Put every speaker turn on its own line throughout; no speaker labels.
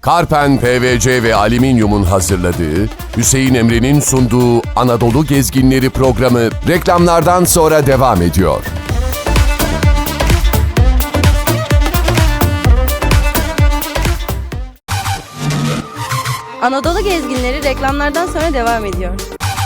Karpen PVC ve Alüminyum'un hazırladığı, Hüseyin Emre'nin sunduğu Anadolu Gezginleri programı reklamlardan sonra devam ediyor.
Anadolu Gezginleri reklamlardan sonra devam ediyor.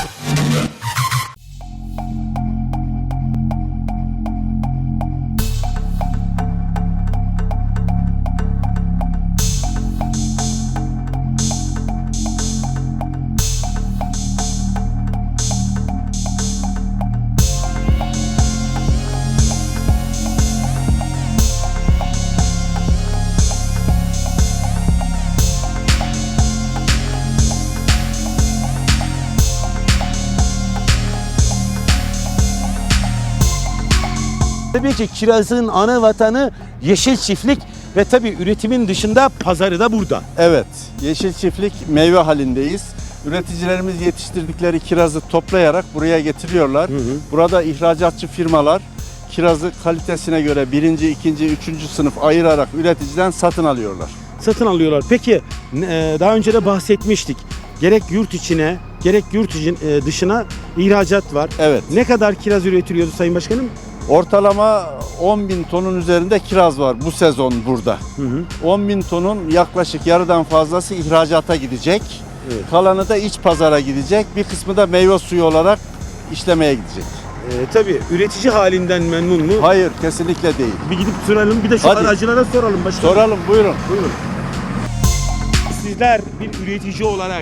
Tabii ki kirazın ana vatanı yeşil çiftlik ve tabii üretimin dışında pazarı da burada.
Evet, yeşil çiftlik meyve halindeyiz. Üreticilerimiz yetiştirdikleri kirazı toplayarak buraya getiriyorlar. Burada ihracatçı firmalar kirazı kalitesine göre birinci, ikinci, üçüncü sınıf ayırarak üreticiden satın alıyorlar.
Satın alıyorlar. Peki daha önce de bahsetmiştik. Gerek yurt içine gerek yurt dışına ihracat var.
Evet.
Ne kadar kiraz üretiliyordu Sayın Başkanım?
Ortalama 10.000 tonun üzerinde kiraz var bu sezon burada. 10.000 tonun yaklaşık yarıdan fazlası ihracata gidecek.
Evet.
Kalanı da iç pazara gidecek. Bir kısmı da meyve suyu olarak işlemeye gidecek.
Tabii üretici halinden memnun mu?
Hayır, kesinlikle değil.
Bir gidip soralım, bir de şu
Hadi.
aracılara soralım başkanım.
Soralım, buyurun.
Buyurun. Sizler bir üretici olarak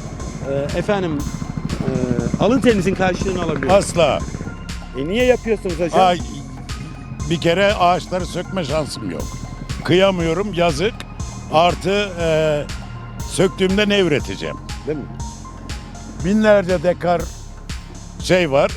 alın terinizin karşılığını alabiliyor musunuz?
Asla.
Niye yapıyorsunuz hocam?
Bir kere ağaçları sökme şansım yok. Kıyamıyorum, yazık. Artı söktüğümde ne üreteceğim?
Değil mi?
Binlerce dekar şey var,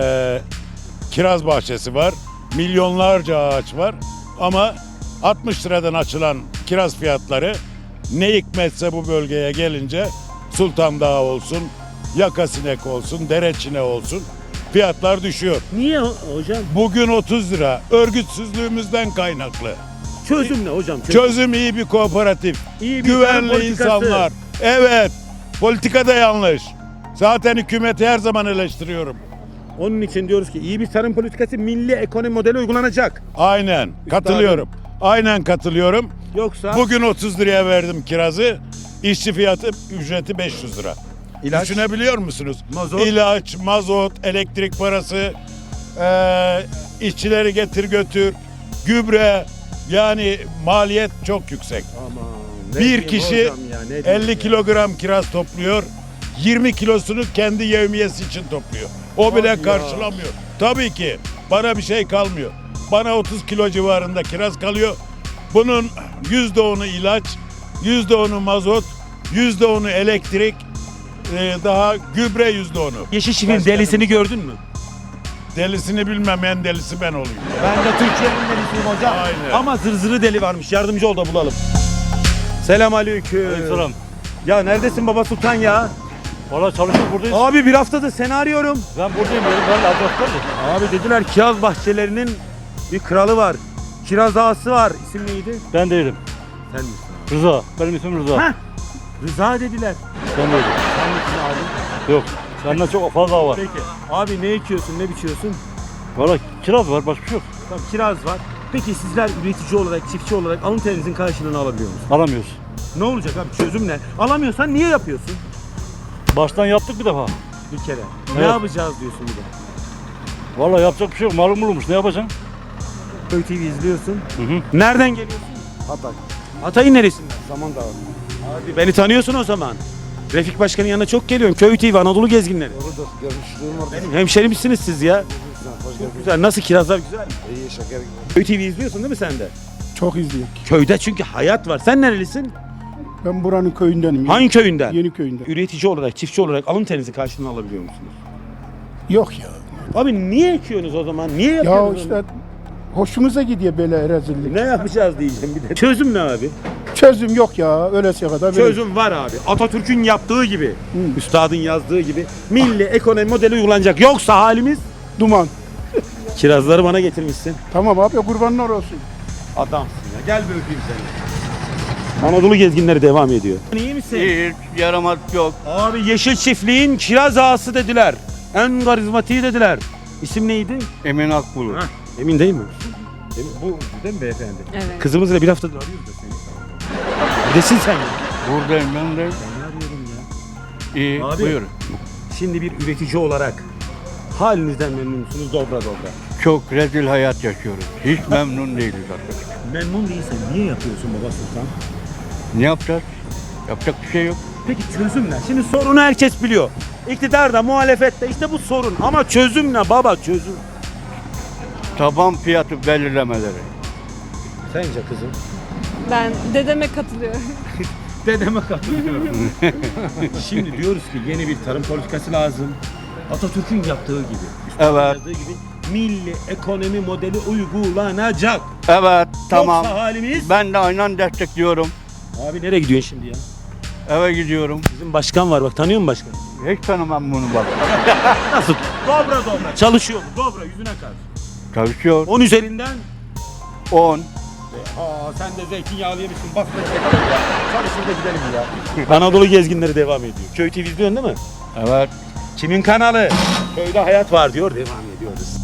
kiraz bahçesi var, milyonlarca ağaç var. Ama 60 liradan açılan kiraz fiyatları ne hikmetse bu bölgeye gelince Sultan Dağı olsun, Yakasinek olsun, Dereçine olsun fiyatlar düşüyor.
Niye hocam?
Bugün 30 lira. Örgütsüzlüğümüzden kaynaklı.
Çözüm ne hocam?
Çözüm iyi bir kooperatif.
İyi bir tarım
Güvenli
politikası.
insanlar. Evet. Politika da yanlış. Zaten hükümeti her zaman eleştiriyorum.
Onun için diyoruz ki iyi bir tarım politikası, milli ekonomi modeli uygulanacak.
Aynen. Katılıyorum. Aynen katılıyorum.
Yoksa
Bugün 30 liraya verdim kirazı. İşçi fiyatı ücreti 500 lira.
İlaç?
Düşünebiliyor musunuz?
Mazot?
İlaç, mazot, elektrik parası, işçileri getir götür, gübre, yani maliyet çok yüksek.
Aman,
Bir kişi 50 kilogram kiraz topluyor, 20 kilosunu kendi yevmiyesi için topluyor. O bile
Hadi ya.
karşılamıyor. Tabii ki bana bir şey kalmıyor. Bana 30 kilo civarında kiraz kalıyor. Bunun %10'u ilaç, %10'u mazot, %10'u elektrik, daha gübre %10'u.
Yeşil çiftliğin delisini gördün mü?
Delisini bilmem, en delisi ben olayım.
Ben de Türkiye'nin delisiyim hocam.
Aynen.
Ama zırzırı deli varmış. Yardımcı ol da bulalım. Selamünaleyküm.
Aleykümselam.
Ya neredesin baba sultan ya?
Valla çalışıp buradayız.
Abi bir haftadır seni arıyorum.
Ben buradayım. Ben adres verdim.
Abi dediler kiraz bahçelerinin bir kralı var. Kiraz ağası var. İsim neydi?
Ben değilim.
Sen misin?
Rıza. Benim ismim Rıza.
Heh. Rıza dediler.
Ben değilim.
Sen misin abi?
Yok. Senden çok fazla var.
Peki. Abi ne ekiyorsun, ne biçiyorsun?
Valla kiraz var. Başka bir şey yok.
Tamam kiraz var. Peki sizler üretici olarak, çiftçi olarak alın terinizin karşılığını alabiliyor musunuz?
Alamıyoruz.
Ne olacak abi? Çözüm ne? Alamıyorsan niye yapıyorsun?
Baştan yaptık bir defa.
Bir kere. Ne
Evet.
yapacağız diyorsun bir de.
Valla yapacak bir şey yok. Malum bulunmuş. Ne yapacaksın?
Köy TV izliyorsun.
Hı.
Nereden geliyorsun? Hatay. Hatay'ın neresinden? Samandağ. Abi beni tanıyorsun o zaman. Refik Başkan'ın yanına çok geliyorum. Köy TV, Anadolu Gezginleri. Benim hemşerimsiniz siz ya. Çok güzel. Nasıl kirazlar güzel mi?
İyi şeker gibi.
Köy TV izliyorsun değil mi sen de?
Çok izliyorum.
Köyde çünkü hayat var. Sen nerelisin?
Ben buranın köyündenim.
Hangi köyünden?
Yeni köyünden.
Üretici olarak, çiftçi olarak alın terinizi karşılığını alabiliyor musunuz?
Yok ya.
Abi niye ekiyorsunuz o zaman? Niye
Ya
yapıyorsunuz?
işte hoşumuza gidiyor böyle rezillik.
Ne yapacağız diyeceğim bir de. Çözüm ne abi?
Çözüm yok ya. Öylesine kadar. böyle.
Çözüm var abi. Atatürk'ün yaptığı gibi, üstadın yazdığı gibi milli ekonomi modeli uygulanacak. Yoksa halimiz
Duman.
kirazları bana getirmişsin.
Tamam abi kurbanlar olsun.
Adamsın ya. Gel bir öpeyim seni. Anadolu gezginleri devam ediyor. İyi misin?
Hiç yaramaz yok.
Abi Yeşil Çiftliğin kiraz ağası dediler. En karizmatiği dediler. İsim neydi?
Emin Akbulut.
Emin değil mi? Emin, bu değil mi beyefendi?
Evet.
Kızımızla bir haftadır arıyoruz da seni. Neredesin sen ya?
Buradayım ben de.
arıyorum ya.
İyi,
Abi.
buyur.
Şimdi bir üretici olarak halinizden memnun musunuz dobra dobra?
Çok rezil hayat yaşıyoruz. Hiç memnun değiliz artık.
Memnun değilsen niye yapıyorsun baba sultan?
Ne yapacağız? Yapacak bir şey yok.
Peki çözüm ne? Şimdi sorunu herkes biliyor. İktidarda, muhalefette işte bu sorun. Ama çözüm ne baba çözüm?
Taban fiyatı belirlemeleri.
Sence kızım?
Ben dedeme katılıyorum.
Dedeme katılıyorum. Şimdi diyoruz ki yeni bir tarım politikası lazım. Atatürk'ün yaptığı gibi.
Evet.
Yazdığı gibi milli ekonomi modeli uygulanacak.
Evet, tamam.
Yoksa halimiz...
Ben de aynen destekliyorum.
Abi nereye gidiyorsun şimdi ya?
Eve gidiyorum.
Bizim başkan var bak, tanıyor musun başkanı?
Hiç tanımam bunu bak.
Nasıl? Dobra dobra. Çalışıyor mu? Dobra yüzüne karşı.
Çalışıyor.
10 üzerinden.
10.
Sen de zeytinyağlı yemişsin. Bak da çekelim ya. Çalışır da gidelim ya. Anadolu gezginleri devam ediyor. Köy TV izliyorsun değil mi?
Evet.
Kimin kanalı? Köyde hayat var diyor. Devam ediyoruz.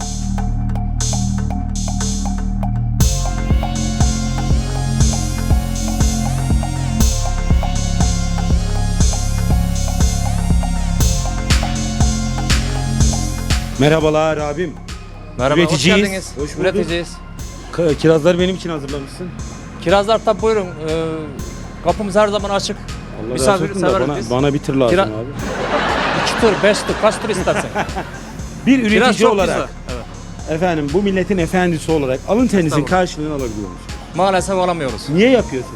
Merhabalar abim.
Merhaba,
Üreticiyiz.
hoş geldiniz.
Hoş bulduk.
Üreticiyiz.
Kirazları benim için hazırlamışsın.
Kirazlar tabi buyurun. Kapımız her zaman açık.
Allah
Misafir
razı olsun da
severiz biz.
bana bir tır lazım
Kira-
abi.
2 tur, 5 tur, kaç tur istersen.
Bir üretici
Kiraz çok
olarak
güzel. Evet.
efendim bu milletin efendisi olarak alın terinizin
Estağfurullah.
karşılığını alabiliyor musunuz?
Maalesef alamıyoruz.
Niye yapıyorsunuz?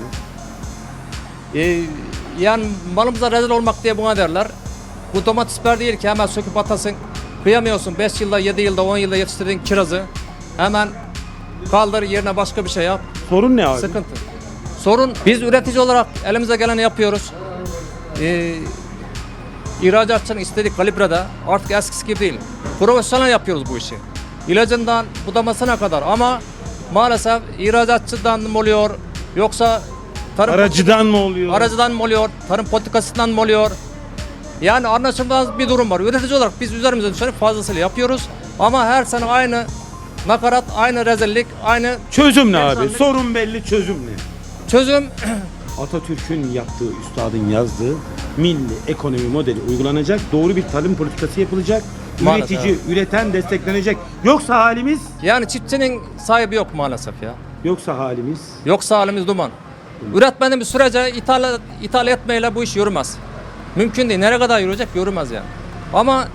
Yani malımıza rezil olmak diye buna derler. Bu domates biber değil ki hemen söküp atasın. Kıyamıyorsun 5 yılda, 7 yılda, 10 yılda yetiştirdiğin kirazı. Hemen kaldır yerine başka bir şey yap.
Sorun ne abi?
Sıkıntı. Sorun biz üretici olarak elimize geleni yapıyoruz. İhracatçının istediği kalibrede artık eskisi gibi değil. Profesyonel yapıyoruz bu işi. İlacından budamasına kadar ama maalesef ihracatçıdan mı oluyor yoksa tarım
Aracıdan mı oluyor?
aracıdan mı oluyor, tarım politikasından mı oluyor? Yani anlaşılmaz bir durum var. Üretici olarak biz üzerimize düşeni fazlasıyla yapıyoruz ama her sene aynı nakarat, aynı rezillik, aynı
Çözüm ne abi?
Efendim?
Sorun belli, çözüm ne?
çözüm.
Atatürk'ün yaptığı, üstadın yazdığı milli ekonomi modeli uygulanacak. Doğru bir tarım politikası yapılacak.
Maalesef.
Üretici, üreten desteklenecek. Yoksa halimiz,
Yani çiftçinin sahibi yok maalesef ya.
yoksa halimiz.
Yoksa halimiz duman. Üretmediğimiz sürece ithal etmeyle bu iş yürümez. Mümkün değil. Nereye kadar yürüyecek? Yürümez yani. Ama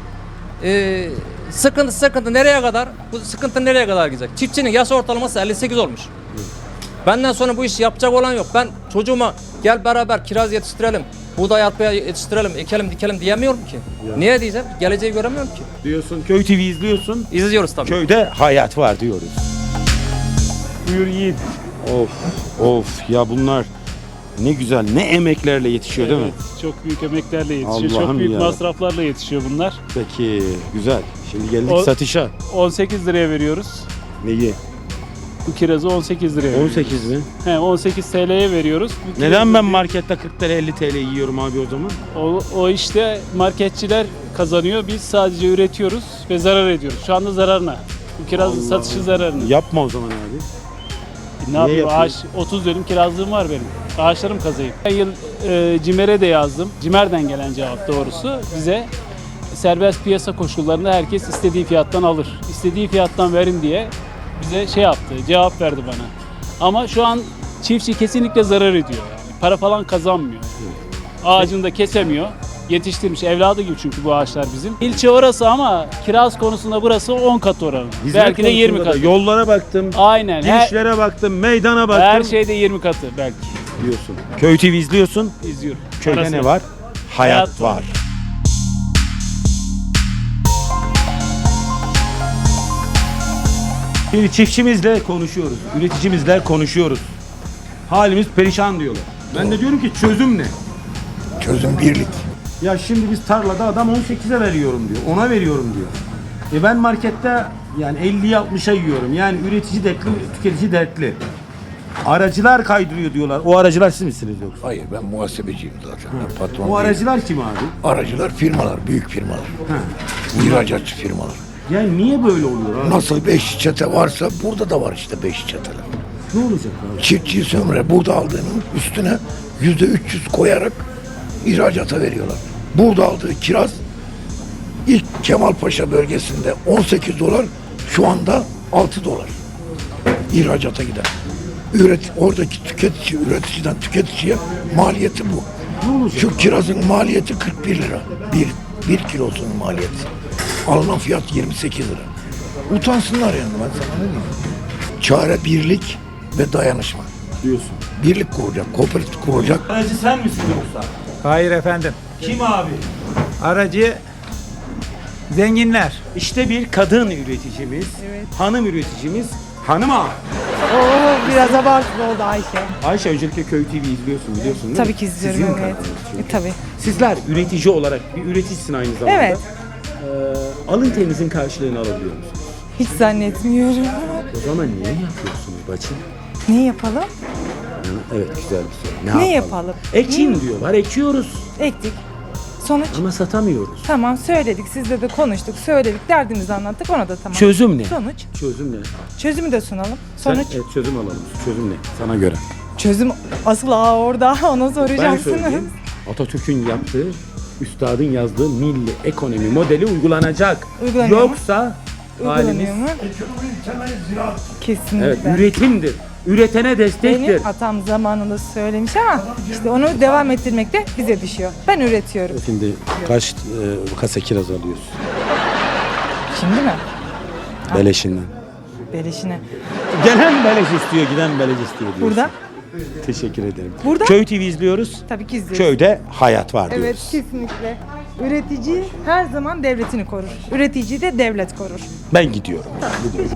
sıkıntı nereye kadar? Bu sıkıntı nereye kadar gidecek? Çiftçinin yaş ortalaması 58 olmuş. Benden sonra bu işi yapacak olan yok. Ben çocuğuma gel beraber kiraz yetiştirelim, buğday arpaya yetiştirelim, ekelim dikelim diyemiyorum ki. Niye diyeceğim? Geleceği göremiyorum ki.
Diyorsun, Köy TV izliyorsun.
İzliyoruz tabii.
Köyde hayat var diyoruz. Buyur yiğit. Of, of ya bunlar ne güzel, ne emeklerle yetişiyor değil mi?
Çok büyük emeklerle yetişiyor.
Allah'ım
Çok büyük
ya.
masraflarla yetişiyor bunlar.
Peki, güzel. Şimdi geldik
O-
satışa.
18 liraya veriyoruz.
Neyi?
Bu kirazı 18 liraya veriyoruz.
18 mi?
18 TL'ye veriyoruz. Bu
Neden
kirazı-
ben markette 40 TL 50 TL yiyorum abi o zaman?
O işte marketçiler kazanıyor. Biz sadece üretiyoruz ve zarar ediyoruz. Şu anda zararına. Bu kirazın
Allah
satışı
Allah.
zararına.
Yapma o zaman abi.
Ne yapayım?
yapıyorsun?
Ağaç 30 dönüm kirazlığım var benim. Ağaçlarım kazayım. Ben yıl CİMER'e de yazdım. CİMER'den gelen cevap doğrusu bize serbest piyasa koşullarında herkes istediği fiyattan alır. İstediği fiyattan verin diye bize şey yaptı, cevap verdi bana. Ama şu an çiftçi kesinlikle zarar ediyor yani. Para falan kazanmıyor. Ağacını da kesemiyor. Yetiştirmiş evladı gibi çünkü bu ağaçlar bizim. İlçe orası ama kiraz konusunda burası 10 kat oranı.
Hizmet
Belki de 20
konusunda da
kat.
Yollara baktım,
Aynen.
girişlere baktım, meydana baktım.
Her şeyde 20 katı belki.
diyorsun. Köy TV izliyorsun.
İzliyorum.
Köyde
Arası.
ne var? Hayat,
Hayat
var.
var.
Şimdi çiftçimizle konuşuyoruz, üreticimizle konuşuyoruz. Halimiz perişan diyorlar. Ben de diyorum ki çözüm ne?
Çözüm birlik.
Ya şimdi biz tarlada adam 18'e veriyorum diyor, 10'a veriyorum diyor. Ben markette yani 50'ye 60'a yiyorum. Yani üretici dertli, tüketici dertli. Aracılar kaydırıyor diyorlar. O aracılar siz misiniz yoksa?
Hayır, ben muhasebeciyim zaten. Ben patron
O
değilim.
aracılar kim abi?
Aracılar firmalar, büyük firmalar. İhracatçı firmalar.
Yani niye böyle oluyor abi?
Nasıl 5 çete varsa burada da var işte 5 çeteler.
Ne olacak abi?
Çiftçi sömüre burada aldığının üstüne %300 koyarak ihracata veriyorlar. Burada aldığı kiraz ilk Kemalpaşa bölgesinde 18 dolar, şu anda 6 dolar. İhracata giden. Oradaki üreticiden tüketiciye maliyeti bu. Şu kirazın maliyeti 41 lira. Bir kilosunun maliyeti. Alınan fiyat 28 lira. Utansınlar yani, ben sana ne diyeyim. Çare birlik ve dayanışma.
Diyorsun.
Birlik kuracak, kooperatif kuracak.
Aracı sen misin yoksa?
Hayır efendim.
Kim abi?
Aracı zenginler.
İşte bir kadın üreticimiz, hanım üreticimiz, hanım ağa.
Biraz abartılı oldu Ayşe.
Ayşe, öncelikle Köy TV izliyorsun, biliyorsun değil mi?
Tabii ki izliyorum,
Sizin
evet.
kanalınız çünkü.
Tabii.
Sizler üretici olarak bir üreticisin aynı zamanda.
Evet.
Alın terinizin karşılığını alabiliyor musunuz?
Hiç zannetmiyorum.
O zaman niye yapıyorsunuz bacım?
Ne yapalım?
Evet, güzel bir soru.
Ne yapalım?
Ekin diyorlar, ekiyoruz
Ektik. Sonuç?
ama satamıyoruz.
Tamam, söyledik. Sizle de konuştuk. Söyledik. Derdimizi anlattık. Ona da tamam.
Çözüm ne?
Sonuç?
Çözüm ne?
Çözümü de sunalım. Sonuç?
Evet, çözüm alalım. Çözüm ne? Sana göre.
Çözüm asıl orada. Ona
Ben
soracaksınız.
söyleyeyim. Atatürk'ün yaptığı, üstadın yazdığı milli ekonomi modeli uygulanacak.
Uygulanıyor mu?
Yoksa halimiz...
Uygulanıyor mu? Kesinlikle.
Evet, üretimdir. Üretene destektir.
Benim atam zamanında söylemiş ama işte onu devam ettirmek de bize düşüyor. Ben üretiyorum.
Şimdi kaç kasa kiraz alıyorsun?
Şimdi mi?
Beleşinden.
Beleşine.
Gelen beleş istiyor, giden beleş istiyor diyorsun.
Burada?
Teşekkür ederim.
Burada?
Köy TV izliyoruz.
Tabii ki izliyoruz.
Köyde hayat var diyoruz.
Evet, kesinlikle. Üretici her zaman devletini korur. Üretici de devlet korur.
Ben gidiyorum. Gidiyorum.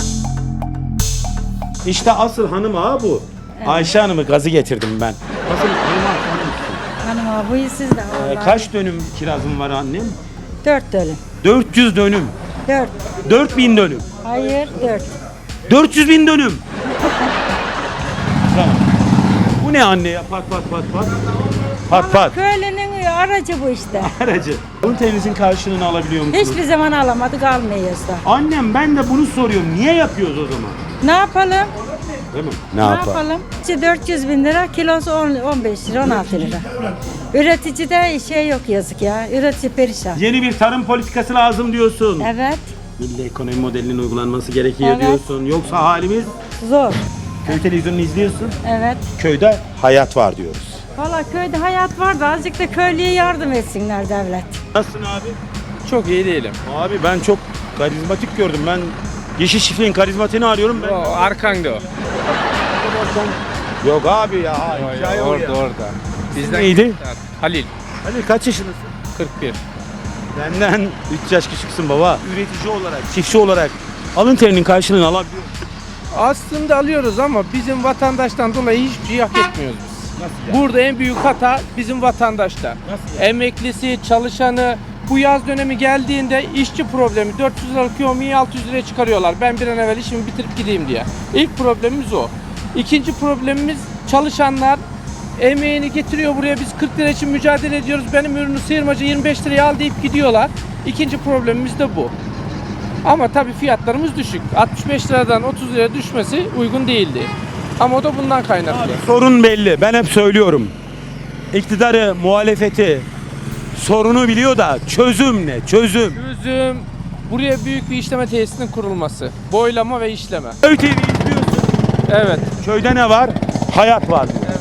İşte asıl hanım ağa bu. Ayşe Hanım'ı gazı getirdim ben. Asıl hanım ağa hanım.
Hanım abi siz de
Kaç dönüm kirazın var annem?
4 dönüm.
400 dönüm.
4.
4000 dönüm.
Hayır 4.
400 bin dönüm. Tamam. Bu ne anne ya? Pat pat pat pat. Pat pat.
Köylünün aracı bu işte.
Aracı. Bunun temizin karşılığını alabiliyor musunuz?
Hiçbir zaman alamadık almayız da.
Annem, ben de bunu soruyorum. Niye yapıyoruz o zaman?
Ne yapalım?
Değil mi?
Ne yapalım? 400 bin lira, kilosu 15 lira, 16 lira. Üreticide şey yok yazık ya. Üretici perişan.
Yeni bir tarım politikası lazım diyorsun.
Evet.
Milli ekonomi modelinin uygulanması gerekiyor
Evet.
diyorsun. Yoksa halimiz...
Zor.
Köy televizyonunu izliyorsun.
Evet.
Köyde hayat var diyoruz.
Valla köyde hayat var da azıcık da köylüye yardım etsinler devlet.
Nasılsın abi?
Çok iyi değilim.
Abi ben çok karizmatik gördüm. Ben Yeşil Çiftliğin karizmatiğini arıyorum. Ben...
Arkanda o.
Yok abi ya. hikaye o ya.
Orada.
Bizden neydi?
Halil.
Hani kaç yaşındasın?
41.
Benden 3 yaş küçüksün baba. Üretici olarak, çiftçi olarak alın terinin karşılığını alabiliyor musun?
Aslında alıyoruz ama bizim vatandaştan dolayı hiçbir şey hak etmiyoruz biz. Burada en büyük hata bizim vatandaşta. Emeklisi, çalışanı, bu yaz dönemi geldiğinde işçi problemi 400 liralık yomiyi 600 liraya çıkarıyorlar. Ben bir an evvel işimi bitirip gideyim diye. İlk problemimiz o. İkinci problemimiz çalışanlar emeğini getiriyor buraya, biz 40 lira için mücadele ediyoruz. Benim ürünü sıyırmacı 25 liraya al deyip gidiyorlar. İkinci problemimiz de bu. Ama tabii fiyatlarımız düşük. 65 liradan 30 liraya düşmesi uygun değildi. Ama o da bundan kaynaklı.
Sorun belli. Ben hep söylüyorum. İktidarı, muhalefeti sorunu biliyor da çözüm ne? Çözüm.
Çözüm buraya büyük bir işleme tesisinin kurulması. Boylama ve işleme.
Köy TV izliyorsun.
Evet.
Köyde ne var? Hayat var diyor.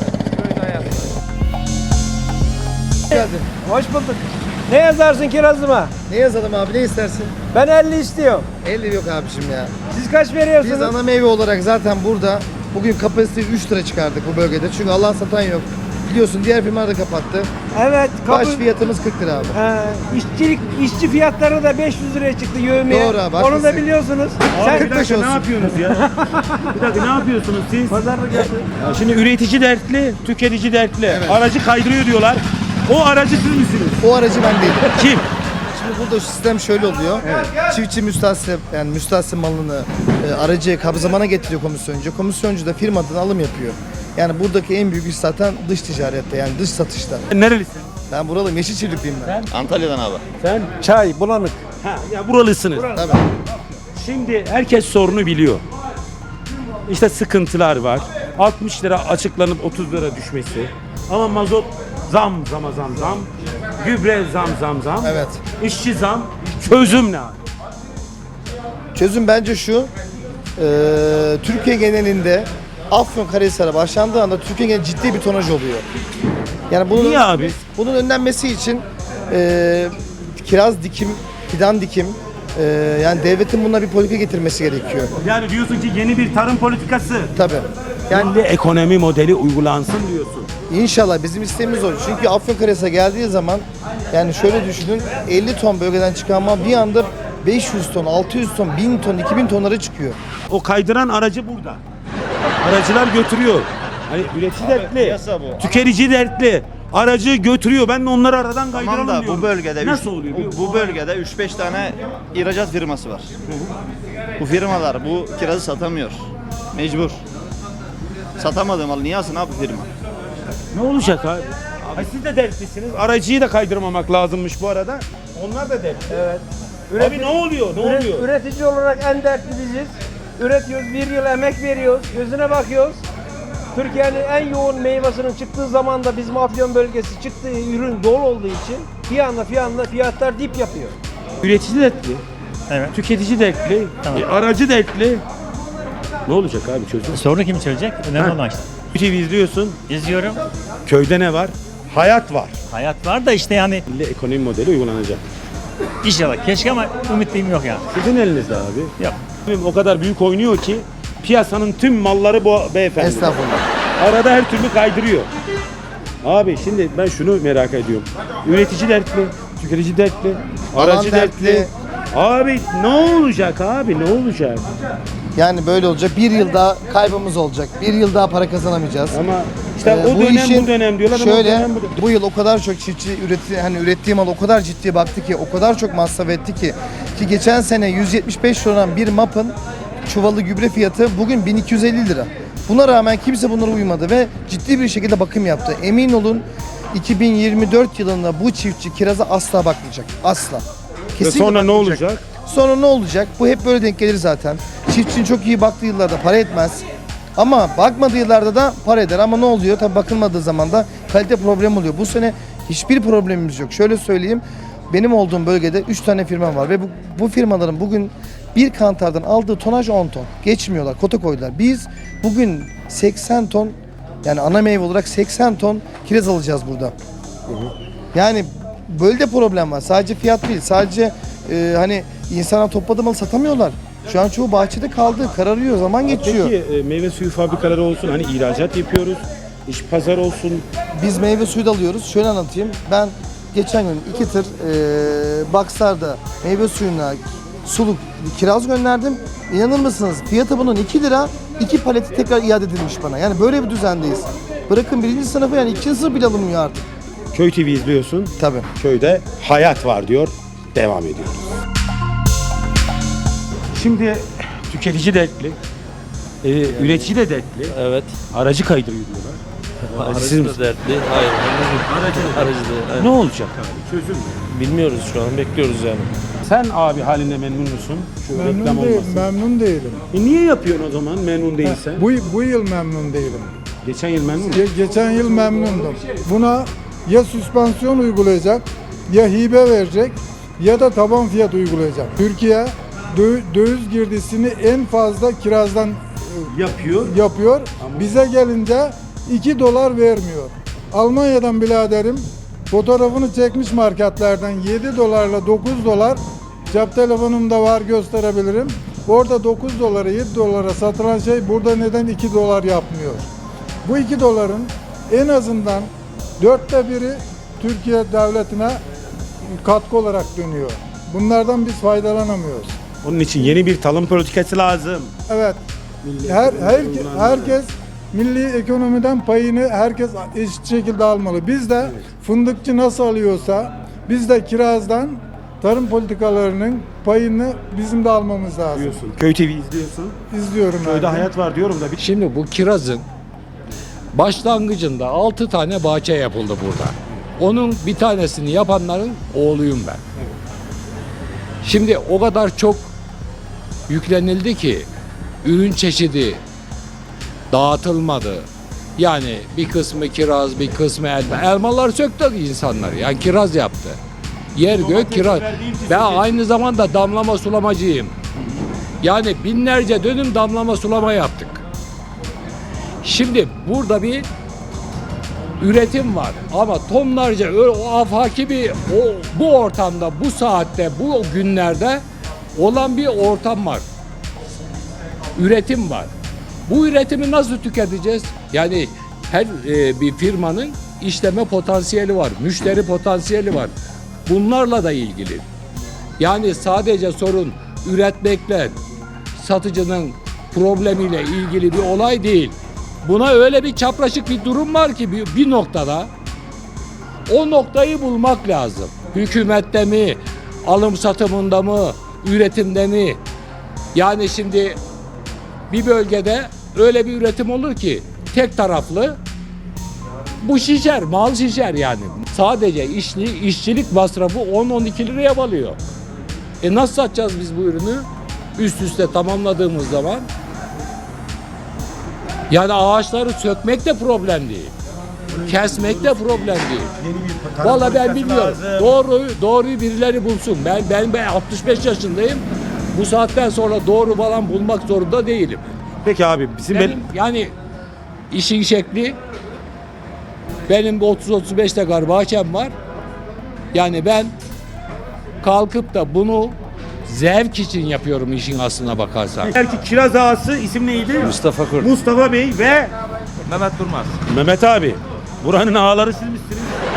Hoş bulduk. Ne yazarsın kirazıma?
Ne yazalım abi, ne istersin?
Ben 50 istiyorum.
50 yok abişim ya.
Siz kaç veriyorsunuz?
Biz ana meyve olarak zaten burada bugün kapasiteyi 3 lira çıkardık bu bölgede. Çünkü alan satan yok. Biliyorsun diğer firmalar da kapattı.
Evet.
Baş fiyatımız 40 lira abi.
İşçi fiyatları da 500 liraya çıktı yövmeye.
Doğru abi,
Onu da
haklısın.
biliyorsunuz.
Abi bir
45
dakika,
olsun.
ne yapıyorsunuz ya? Bir dakika, ne yapıyorsunuz siz?
Pazarlık yapın.
Ya şimdi üretici dertli, tüketici dertli.
Evet.
Aracı kaydırıyor diyorlar. O aracı siz misiniz?
O aracı ben değilim.
Kim?
Şimdi burada sistem şöyle oluyor. Çiftçi müstahsil, yani müstahsil malını aracıya kabzamana getiriyor komisyoncu. Komisyoncu da firmadan alım yapıyor. Yani buradaki en büyük iş zaten dış ticarette, yani dış satışta.
Nerelisin?
Ben buralıyım, Yeşilçiftlikliyim ben.
Antalya'dan abi.
Sen?
Çay, bulanık.
Ha, ya buralısınız.
Tabii.
Şimdi herkes sorunu biliyor. İşte sıkıntılar var. 60 lira açıklanıp 30 lira düşmesi. Ama mazot zam. Gübre zam.
Evet.
İşçi zam. Çözüm ne abi?
Çözüm bence şu, Türkiye genelinde Afyonkarahisar'a başlandığı anda Türkiye genelinde ciddi bir tonaj oluyor. Yani bunun,
Niye abi?
bunun önlenmesi için kiraz dikim, fidan dikim, yani devletin buna bir politika getirmesi gerekiyor.
Yani diyorsun ki yeni bir tarım politikası.
Tabii.
Yani de ekonomi modeli uygulansın diyorsun.
İnşallah bizim isteğimiz o. Çünkü Afyonkarahisar'a geldiği zaman yani şöyle düşünün, 50 ton bölgeden çıkan mal bir anda 500 ton, 600 ton, 1000 ton, 2000 tonlara çıkıyor.
O kaydıran aracı burada. Aracılar götürüyor. Hani üretici dertli,
piyasa bu.
tüketici dertli. Aracı götürüyor. Ben de onları aradan kaydıralım
Tamam da
diyorum.
bu bölgede
nasıl oluyor?
bu bölgede 3-5 tane ihracat firması var. Bu firmalar bu kirazı satamıyor. Mecbur. Satamadığı malı niye alsın abi firma?
Ne olacak abi? Siz de dertlisiniz. Aracıyı da kaydırmamak lazımmış bu arada. Onlar da dertli.
Evet.
Abi ne oluyor? Ne oluyor?
Üretici olarak en dertli biziz. Üretiyoruz, bir yıl emek veriyoruz, gözüne bakıyoruz. Türkiye'nin en yoğun meyvasının çıktığı zaman da bizim Afyon bölgesi çıktığı ürün dolu olduğu için bir anda fiyatlar dip yapıyor.
Üretici dertli.
Evet.
Tüketici dertli.
Tamam.
Aracı dertli. Ne olacak abi çözüm?
Sorunu kim çözecek? Önemli olan işte.
TV izliyorsun.
İzliyorum.
Köyde ne var? Hayat var.
Hayat var da işte yani
Milli ekonomi modeli uygulanacak.
inşallah. Keşke ama ümitliyim yok yani.
Sizin elinizde abi.
Yok.
O kadar büyük oynuyor ki piyasanın tüm malları bu beyefendi.
Estağfurullah.
Arada her türlü kaydırıyor. Abi şimdi ben şunu merak ediyorum. Üretici dertli, tüketici dertli, aracı dertli.
dertli.
Abi ne olacak abi ne olacak?
Yani böyle olacak. Bir yıl daha kaybımız olacak. Bir yıl daha para kazanamayacağız.
Ama işte o
Bu
dönem
işin
bu dönem diyorlar ama o
şöyle,
dönem bu dönem.
bu yıl o kadar çok çiftçi ürettiği mal o kadar ciddi baktı ki, o kadar çok masraf etti ki geçen sene 175 lira olan bir MAP'ın çuvalı gübre fiyatı bugün 1250 lira. Buna rağmen kimse bunlara uymadı ve ciddi bir şekilde bakım yaptı. Emin olun 2024 yılında bu çiftçi kiraza asla bakmayacak. Asla.
Ve
Kesinlikle
sonra ne
bakmayacak.
olacak?
Sonra ne olacak? Bu hep böyle denk gelir zaten. Çiftçinin çok iyi baktığı yıllarda para etmez. Ama bakmadığı yıllarda da para eder. Ama ne oluyor? Tabii bakılmadığı zaman da kalite problem oluyor. Bu sene hiçbir problemimiz yok. Şöyle söyleyeyim. Benim olduğum bölgede 3 tane firma var ve bu firmaların bugün bir kantardan aldığı tonaj 10 ton. Geçmiyorlar, kota koydular. Biz bugün 80 ton, yani ana meyve olarak 80 ton kiraz alacağız burada. Yani böyle de problem var. Sadece fiyat değil, sadece hani insanlar topladığı malı satamıyorlar. Şu an çoğu bahçede kaldı, kararıyor, zaman geçiyor.
Peki meyve suyu fabrikaları olsun hani ihracat yapıyoruz. İş pazar olsun.
Biz meyve suyu da alıyoruz. Şöyle anlatayım. Ben geçen gün 2 tır Baksar'da meyve suyuna suluk kiraz gönderdim. İnanır mısınız? Fiyatı bunun 2 lira. 2 paleti tekrar iade edilmiş bana. Yani böyle bir düzendeyiz. Bırakın 1. sınıfı, yani 2. sınıf bile alınmıyor artık.
Köy TV izliyorsun.
Tabii.
Köyde hayat var diyor. Devam ediyoruz. Şimdi tüketici dertli. Üretici de dertli.
Evet.
Aracı kaydırıyor diyorlar. Siz
Aracı
misiniz?
da dertli. Hayır. Aracı da.
Ne olacak abi? Çözüm ne?
Bilmiyoruz şu an. Bekliyoruz yani.
Sen abi halinde memnun musun? Şu reklam olmasın.
Memnun değilim.
Niye yapıyorsun o zaman memnun değilsen?
Bu yıl memnun değilim.
Geçen yıl memnun musun?
Geçen yıl memnundum. Buna ya süspansiyon uygulayacak, ya hibe verecek, ya da taban fiyat uygulayacak. Türkiye döviz girdisini en fazla kirazdan yapıyor. Bize gelince 2 dolar vermiyor. Almanya'dan biraderim fotoğrafını çekmiş marketlerden 7 dolarla 9 dolar, cep telefonumda var, gösterebilirim. Orada 9 dolara 7 dolara satılan şey burada neden 2 dolar yapmıyor? Bu 2 doların en azından 1/4 Türkiye devletine katkı olarak dönüyor. Bunlardan biz faydalanamıyoruz.
Onun için yeni bir tarım politikası lazım.
Evet. Herkes milli ekonomiden payını herkes eşit şekilde almalı. Biz de fındıkçı nasıl alıyorsa biz de kirazdan tarım politikalarının payını bizim de almamız lazım.
Diyorsun. Köy TV izliyorsun.
İzliyorum
Köyde
ben.
hayat var diyorum da.
Şimdi bu kirazın başlangıcında 6 tane bahçe yapıldı burada. Onun bir tanesini yapanların oğluyum ben. Şimdi o kadar çok yüklenildi ki ürün çeşidi dağıtılmadı. Yani bir kısmı kiraz, bir kısmı elma. Elmalar söktü insanlar. Yani kiraz yaptı. Yer gök kiraz. Ben aynı zamanda damlama sulamacıyım. Yani binlerce dönüm damlama sulama yaptık. Şimdi burada bir üretim var ama tonlarca o afaki bir bu ortamda, bu saatte, bu günlerde olan bir ortam var. Üretim var. Bu üretimi nasıl tüketeceğiz? Yani her bir firmanın işleme potansiyeli var, müşteri potansiyeli var. Bunlarla da ilgili. Yani sadece sorun üretmekle, satıcının problemiyle ilgili bir olay değil. Buna öyle bir çapraşık bir durum var ki bir noktada o noktayı bulmak lazım. Hükümette mi, alım satımında mı, üretimde mi? Yani şimdi bir bölgede öyle bir üretim olur ki tek taraflı bu şişer, mal şişer yani. Sadece işçilik masrafı 10-12 liraya balıyor. Nasıl satacağız biz bu ürünü? Üst üste tamamladığımız zaman yani ağaçları sökmek de problem değil. Kesmek de problem değil. Vallahi ben bilmiyorum. Doğruyu birileri bulsun. Ben 65 yaşındayım. Bu saatten sonra doğru falan bulmak zorunda değilim.
Peki abi
Benim yani işin şekli benim 30-35 dekar bahçem var. Yani ben kalkıp da bunu zevk için yapıyorum işin aslına bakarsan.
Belki kiraz ağası isim neydi?
Mustafa Kurt.
Mustafa Bey ve
Mehmet Durmaz.
Mehmet abi. Buranın ağaları siz misiniz?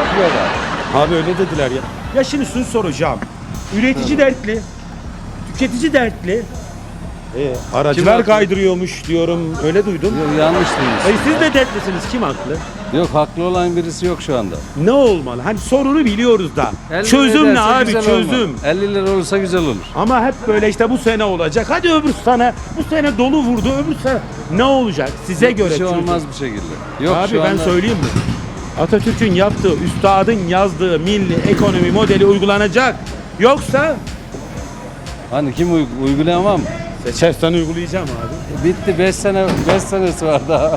Abi öyle dediler ya. Ya şimdi şunu soracağım. Üretici dertli, tüketici dertli. Aracılar kaydırıyormuş diyorum. Öyle duydum.
Yok, yanlış değil.
Siz de dertlisiniz. Kim haklı?
Yok, haklı olan birisi yok şu anda.
Ne olmalı? Hani sorunu biliyoruz da.
50
Çözüm
lira
ne abi?
güzel
Çözüm.
olmaz. 50 lira olursa güzel olur.
Ama hep böyle işte bu sene olacak. Hadi öbür sene. Bu sene dolu vurdu. Öbür sene ne olacak? Size
Yok,
göre
bir şey
çözüm.
olmaz bir şekilde. Yok,
Abi
şu
ben
anda...
söyleyeyim mi? Atatürk'ün yaptığı, üstadın yazdığı milli ekonomi modeli uygulanacak. Yoksa
Hani kim uygulayamam mı?
seçersen uygulayacağım abi.
Bitti, 5 senesi var daha.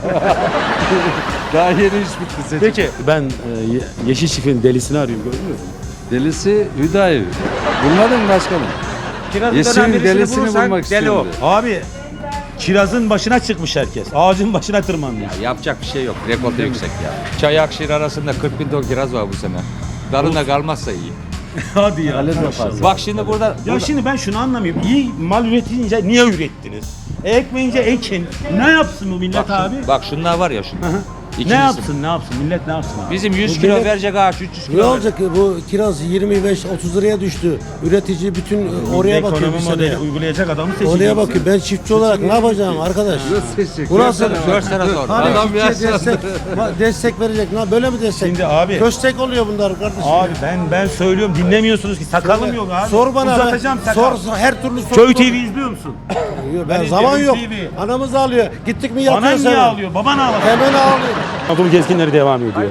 Daha yeni iş bitti seçim.
Peki ben Yeşil Çift'in delisini arıyorum, gördünüz mü?
Delisi Hüdayi. Bulmadın mı başkanım? Yeşil'in delisini bulmak istiyorum.
Abi kirazın başına çıkmış herkes. Ağacın başına tırmanmış.
Yapacak bir şey yok. Rekor da yüksek ya. Çay Akşehir arasında 40 bin ton kiraz var bu sene. Darına kalmazsa iyi.
Hadi ya.
Bak şimdi burada...
Ya şimdi ben şunu anlamıyorum. İyi mal üretince niye ürettiniz? Ekmeyince ekin. Ne yapsın bu millet abi?
Bak şunlar var ya şunlar.
Ne yapsın millet ne yapsın abi?
Bizim 100 kilo verecek ağaç 300 kilo.
Ne olacak ki bu kiraz 25-30 liraya düştü. Üretici bütün oraya bakıyor bir
Ekonomi
sene.
modeli uygulayacak adamı seçeceksin.
Oraya bakıyor. Ben çiftçi olarak ne yapacağım arkadaş? Bu nasıl?
4 sene sonra.
Hani
Adam
çiftçiye
yaşlandı.
destek verecek. Böyle mi destek?
Şimdi abi.
Köstek oluyor bunlar kardeşim.
Abi ben söylüyorum dinlemiyorsunuz ki sakalım yok abi.
Sor bana.
Uzatacağım sakal.
Sor her türlü sor.
Köy TV izliyor musun?
Ben
Ben
zaman yok.
izliyorum TV.
Anamız ağlıyor. Gittik mi yatıyor
Anan niye
hemen.
ağlıyor? Baban ağlıyor.
Hemen ağlıyor.
Anadolu gezginleri devam ediyor.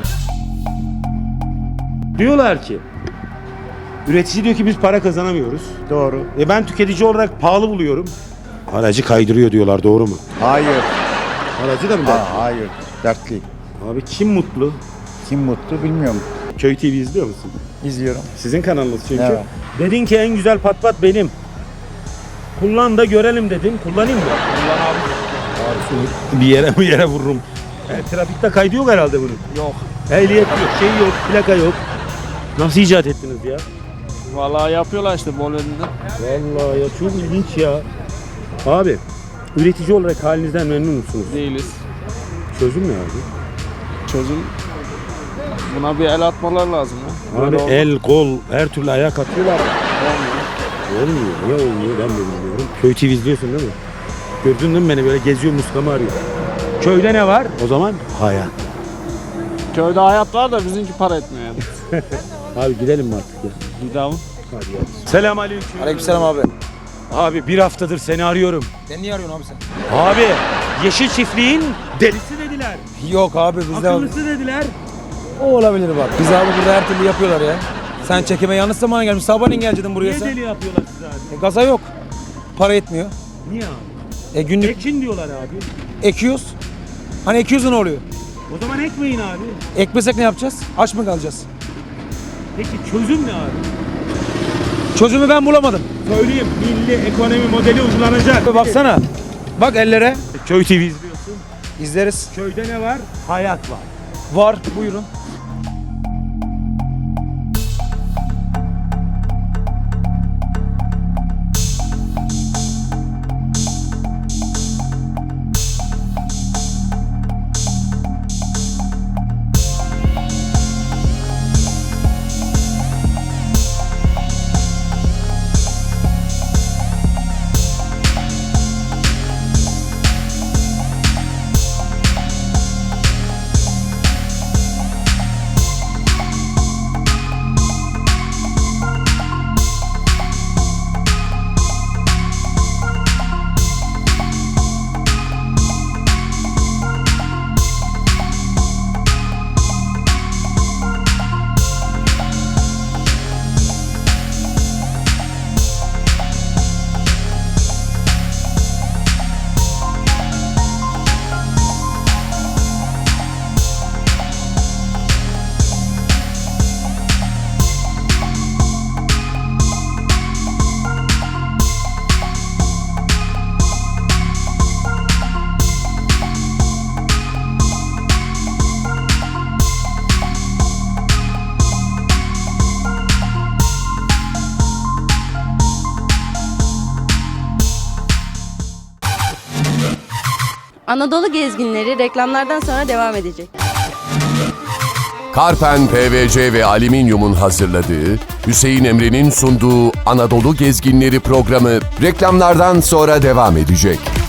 Diyorlar ki üretici diyor ki biz para kazanamıyoruz. Doğru. Ben tüketici olarak pahalı buluyorum. Aracı kaydırıyor diyorlar, doğru mu?
Hayır.
Aracı da mı dertli?
Hayır. Dertli.
Abi kim mutlu?
Kim mutlu bilmiyorum.
Köy TV izliyor musun?
İzliyorum.
Sizin kanalınız çünkü.
Evet.
Dedin ki en güzel patpat benim. Kullan da görelim dedin. Kullanayım mı? Kullan abi. Bir yere vururum. Trafikte kaydı yok herhalde bunun.
Yok.
Ehliyet yok, şey yok, plaka yok. Nasıl icat ettiniz ya?
Vallahi yapıyorlar işte bol önünde.
Vallahi ya çok ilginç ya. Abi, üretici olarak halinizden memnun musunuz?
Değiliz.
Çözüm ne abi?
Çözüm buna bir el atmalar lazım ya.
Abi
Böyle olmaz.
el, kol, her türlü ayak atıyorlar. Olmuyor. Niye olmuyor ben de bilmiyorum. Köy TV izliyorsun değil mi? Gördün değil mi beni böyle geziyor muskamı arıyor. Köyde ne var? O zaman hayat.
Köyde hayat var da bizimki para etmiyor yani.
Abi gidelim mi artık ya?
Gidelim.
Selamünaleyküm.
Aleykümselam abi.
Abi bir haftadır seni arıyorum.
Sen niye arıyorsun abi sen?
Abi Yeşil Çiftliğin delisi dediler.
Yok abi bizde
Akıllısı dediler.
o olabilir bak. Biz abi burada her türlü yapıyorlar ya. Sen çekime yanlış zamana gelmiş. Sabahleyin gelecektin buraya
Niye
sen.
deli yapıyorlar size abi?
Gaza yok. Para etmiyor.
Niye abi?
Günlük
Ekin diyorlar abi.
ekiyoruz. Hani ekiyoruz ne oluyor?
O zaman ekmeyin abi.
Ekmesek ne yapacağız? Aç mı kalacağız?
Peki çözüm ne abi?
Çözümü ben bulamadım.
Söyleyeyim, milli ekonomi modeli uygulanacak.
Baksana. Bak ellere.
Köy TV izliyorsun.
İzleriz.
Köyde ne var? Hayat var.
Var. Buyurun.
Anadolu Gezginleri reklamlardan sonra devam edecek.
Karpen PVC ve Alüminyum'un hazırladığı, Hüseyin Emre'nin sunduğu Anadolu Gezginleri programı reklamlardan sonra devam edecek.